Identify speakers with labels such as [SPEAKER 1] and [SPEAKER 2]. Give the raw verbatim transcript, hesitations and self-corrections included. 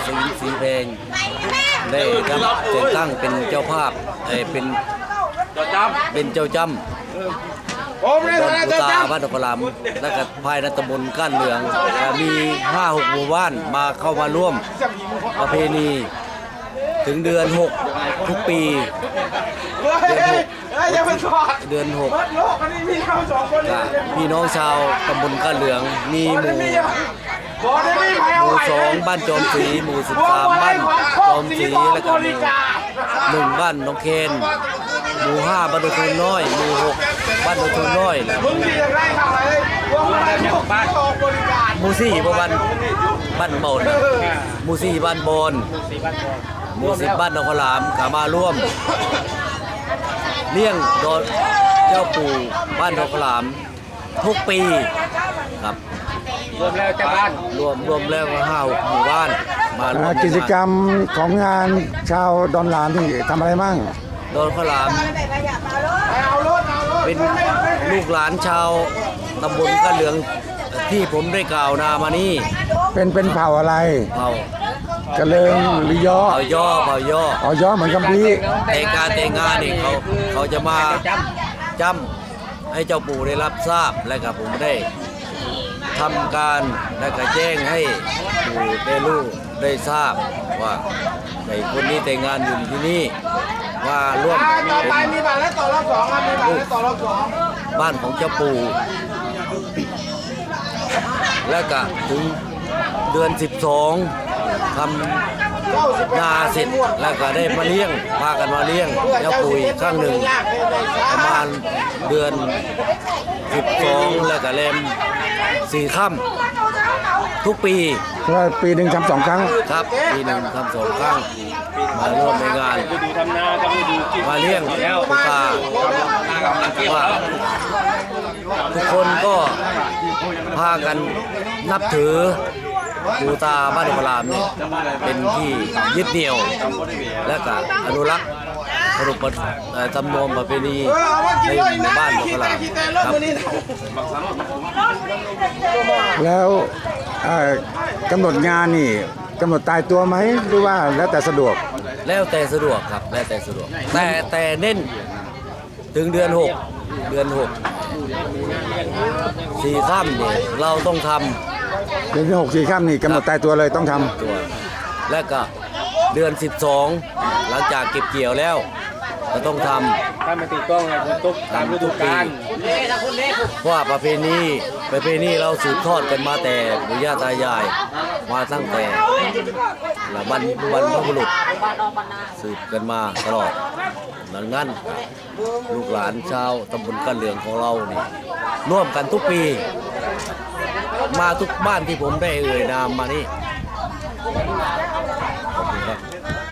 [SPEAKER 1] ศิลป์สีเพลงได้รับแต่งตั้งเป็นเจ้าภาพเป็นเป็นเจ้าจำดอนปูตาบ้านตะพลามและก็ภายในตำบลก้านเหลืองมีห้าหกหมู่บ้านมาเข้ามาร่วมประเพณีถึงเดือนหกทุกปีเดือนหกเดือนหกพี่น้องชาวตำบลก้านเหลืองมีหมู่หมู่สองบ้านจอมศรีหมู่สิบสามบ้านจอมศรีและก็หมู่หนึ่งบ้านน้องเคนหมู่ห้าบ้านโดยทุนน้อยหมู่หกบ้านโดยทุนน้อยหมู่สี่บ้านบ้านเมาหมู่สี่บ้านบอนหมู่สิบบ้านนครหลามขามาร่วมเลี้ยงดอนเจ้าปู่บ้านนครหลามทุกปีครับรวมแล้วเจ้าบ้านรวมรวมแล้วห้าหมู่บ้านมาร่วม
[SPEAKER 2] กิจกรรมของงานชาวดอนหลามที่ทำอะไรบ้าง
[SPEAKER 1] ดอนข้าวหลามเป็นลูกหลานชาวตำบลก้านเหลืองที่ผมได้กล่าวนามานี่
[SPEAKER 2] เป็นเป็นเผ่าอะไร
[SPEAKER 1] เผ่าก
[SPEAKER 2] ระเลิงหรือย่อ
[SPEAKER 1] เผ่าย่อเผ่าย่อ
[SPEAKER 2] อ๋อย่อเหมือนกัมพี
[SPEAKER 1] แต่การแต่งงานนี่เขาเขาจะมาจำให้เจ้าปู่ได้รับทราบและกับผมได้ทำการและก็แจ้งให้ปู่ได้รู้ได้ทราบว่าไอ้คนนี้แต่งงานอยู่ที่นี่ว่าร่วมเป็นลูกบ้านของเจ้าปู่และก็ถึงเดือนสิบสองทำนาเสร็จแล้วก็ได้มาเลี้ยงพากันมาเลี้ยงเจ้าปู่อีกครั้งหนึ่งประมาณเดือนสิบสองแล้วก็เล่มสี่ค่ำทุกปี
[SPEAKER 2] ว่าปีหนึ่งทำสองครั้ง
[SPEAKER 1] ครับปีหนึ่งทำสองครั้งมาร่วมในงานมาเลี้ยงปูตาว่าทุกคนก็พากันนับถือปูตาบ้านตะพลามเนี่ยเป็นที่ยึดเหนี่ยวและก็อนุรักษ์ขนบธรรมเนียมประเพณีในหมู่บ้านตะพลามครับ
[SPEAKER 2] แล้วกำหนดงานนี่กำหนดตายตัวไหมหรือว่าแล้วแต่สะดวก
[SPEAKER 1] แล้วแต่สะดวกครับแล้วแต่สะดวกแต่แต่เน้นถึงเดือนหกเดือนหกสี่ค่ำเนี่ยเราต้องทำ
[SPEAKER 2] เดือนที่หกสี่ค่ำนี่กำหนดตายตัวเลยต้องทำ
[SPEAKER 1] ตัวและก็เดือนสิบสองหลังจากเก็บเกี่ยวแล้วเราต้องทำ
[SPEAKER 3] ถ้ามาติดกล้องไงคุณตุ๊กตามฤดูกาล
[SPEAKER 1] ว่าประเพณีประเพณีเราสืบทอดกันมาแต่ปู่ย่าตายายมาตั้งแต่ละบรรบรรพบุรุษสืบกันมาตลอดดังนั้นลูกหลานชาวตำบลก้านเหลืองของเรานี่ร่วมกันทุกปีมาทุกบ้านที่ผมได้เอ่ยนามมานี่ขอบคุณครับ